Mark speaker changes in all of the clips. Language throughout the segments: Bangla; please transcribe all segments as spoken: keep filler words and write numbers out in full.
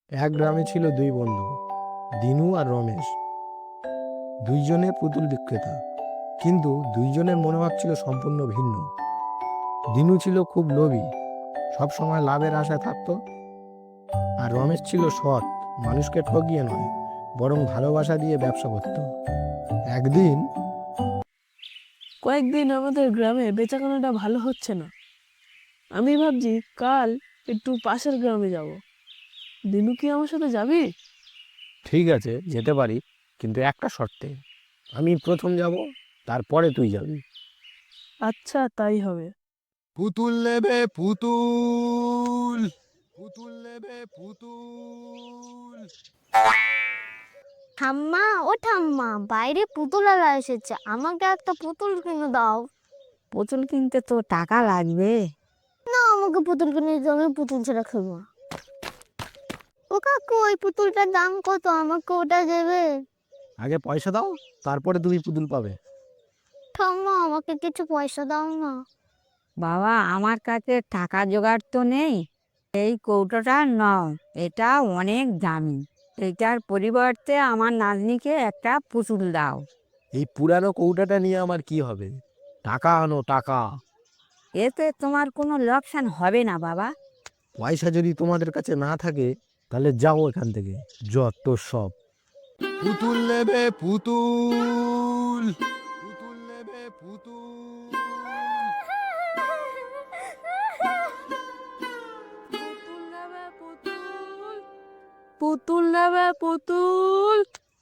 Speaker 1: এক গ্রামে ছিল দুই বন্ধু, দিনু আর রমেশ। দুইজনে পুতুল বিক্রেতা, কিন্তু দুইজনের মনোভাব ছিল সম্পূর্ণ ভিন্ন। দিনু ছিল খুব লোভী, সব সময় লাভের আশায় থাকতো। আর রমেশ ছিল সৎ, মানুষকে ঠকিয়ে নয়, বরং ভালোবাসা দিয়ে ব্যবসা করত। একদিন
Speaker 2: কয়েকদিন আমাদের গ্রামে বেচাকেনাটা ভালো হচ্ছে না। আমি ভাবছি কাল একটু পাশের গ্রামে যাব। দিনু কি আমার সাথে যাবি?
Speaker 1: ঠিক আছে, যেতে পারি, কিন্তু একটা শর্তে। আমি প্রথম যাব, তারপরে তুই যাবি।
Speaker 2: আচ্ছা, তাই হবে।
Speaker 1: পুতুল নেবে পুতুল, পুতুল নেবে পুতুল।
Speaker 3: ঠাম্মা, ও ঠাম্মা, বাইরে পুতুলারা এসেছে, আমাকে একটা পুতুল কিনে দাও।
Speaker 4: পুতুল কিনতে তো টাকা লাগবে।
Speaker 3: না, আমাকে পুতুল কিনে দিও, আমি পুতুল ছাড়া খেলবো না। ও কাকু, ওই পুতুলটার দাম কত? আমাকে ওটা দেবে?
Speaker 1: আগে পয়সা দাও, তারপরে তুমি পুতুল পাবে।
Speaker 3: ঠাম্মা, আমাকে কিছু পয়সা দাও না।
Speaker 4: বাবা, আমার কাছে টাকা জোগাড় তো নেই। এই কৌটোটা নাও, এটা অনেক দামি। এটার পরিবর্তে আমার নাতনিকে একটা পুতুল দাও।
Speaker 1: এই পুরানো কৌটাটা নিয়ে আমার কি হবে? টাকা আনো, টাকা।
Speaker 4: এতে তোমার কোনো লোকসান হবে না বাবা।
Speaker 1: পয়সা যদি তোমাদের কাছে না থাকে, তাহলে যাও এখান থেকে, যত সব। পুতুল নেবে পুতুল, পুতুল নেবে পুতুল।
Speaker 2: পুতুল নেবে পুতুল, পুতুল নেবে পুতুল।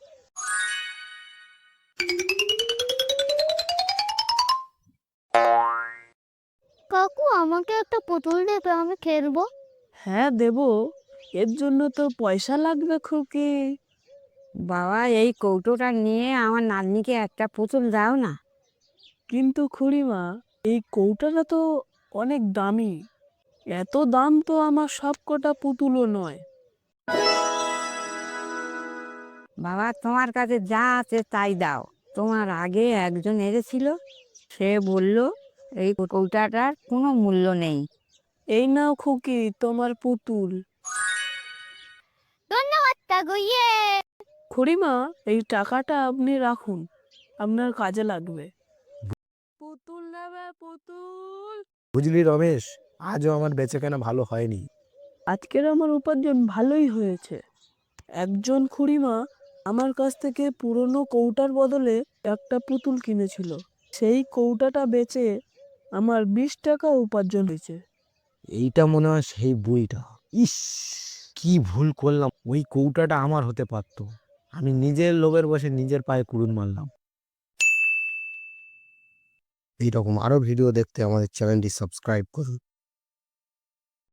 Speaker 3: কাকু, আমাকে একটা পুতুল দেবে, আমি খেলবো।
Speaker 2: হ্যাঁ, দেব। এর জন্য তো পয়সা লাগবে খুকি।
Speaker 4: বাবা, এই কৌটোটা নিয়ে আমার নাতনিকে একটা পুতুল দাও না।
Speaker 2: কিন্তু খুড়িমা, এই কৌটাটা তো অনেক দামি। এত দাম তো আমার সব কটা পুতুলও নয়।
Speaker 4: বাবা, তোমার কাছে যা আছে তাই দাও। তোমার আগে একজন এসেছিল, সে বলল এই কৌটাটার কোনো মূল্য নেই।
Speaker 2: এই নাও খুকি, তোমার পুতুল।
Speaker 3: ধন্যবাদ কাকু, ইয়ে।
Speaker 2: খুড়িমা, এই টাকাটা আপনি রাখুন, আপনার কাজে লাগবে। পুতুল নেবে পুতুল।
Speaker 1: বুঝলি রমেশ, আজও আমার বেচাকেনা ভালো হয়নি।
Speaker 2: আজকের আমার উপার্জন ভালোই হয়েছে। একজন খুড়িমা আমার কাছ থেকে পুরনো কৌটার বদলে একটা পুতুল কিনেছিল। সেই কৌটাটা বেচে আমার বিশ টাকা উপার্জন হয়েছে।
Speaker 1: এইটা মনে হয় সেই বইটা। ইস, কি ভুল করলাম, ওই কৌটাটা আমার হতে পারতো। আমি নিজের লোভের বসে নিজের পায়ে কুড়ুল মারলাম। এইরকম আরো ভিডিও দেখতে আমাদের চ্যানেলটি সাবস্ক্রাইব করুন।